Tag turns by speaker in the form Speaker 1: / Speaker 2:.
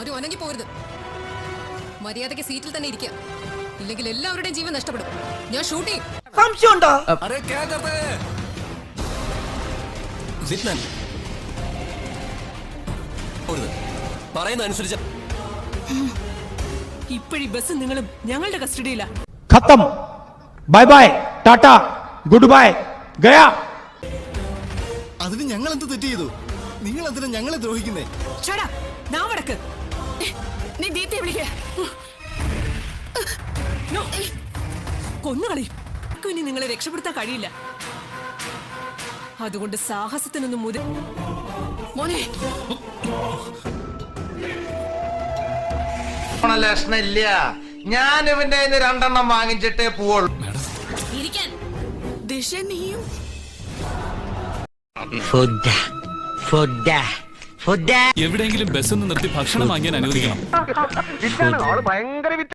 Speaker 1: ആരും ഒനങ്ങി പോകരുത്. മര്യാദയ്ക്ക് സീറ്റിൽ തന്നെ ഇരിക്കുക, ഇല്ലെങ്കിൽ എല്ലാവരുടെയും ജീവൻ നഷ്ടപ്പെടും. ഞാൻ ഷൂട്ട് ചെയ്യും.
Speaker 2: പറയുന്ന അനുസരിച്ച്
Speaker 3: ഇപ്പോഴീ ബസ് നിങ്ങളും ഞങ്ങളുടെ കസ്റ്റഡിയില.
Speaker 4: ഖത്തം, bye bye, tata, good bye, ഗയാ.
Speaker 5: അതിന് ഞങ്ങൾ എന്ത് തെറ്റ് ചെയ്തു? നിങ്ങൾ എന്തിനാ ഞങ്ങളെ ദ്രോഹിക്കുന്നേ?
Speaker 3: നീ ദീപ്തിയെ വിളിക്കേ. കൊന്നുകളി. ഇനി നിങ്ങളെ രക്ഷപ്പെടുത്താൻ കഴിയില്ല. അതുകൊണ്ട് സാഹസത്തിനൊന്നും മോനെ
Speaker 6: ലക്ഷണില്ല. ഞാൻ ഇവന്റെ 2 വാങ്ങിച്ചിട്ടേ പോവുള്ളൂ.
Speaker 3: ദിശ നീയും
Speaker 7: എവിടെയെങ്കിലും ബസ് ഒന്ന് നിർത്തി ഭക്ഷണം വാങ്ങിയാൻ അനുവദിക്കണം.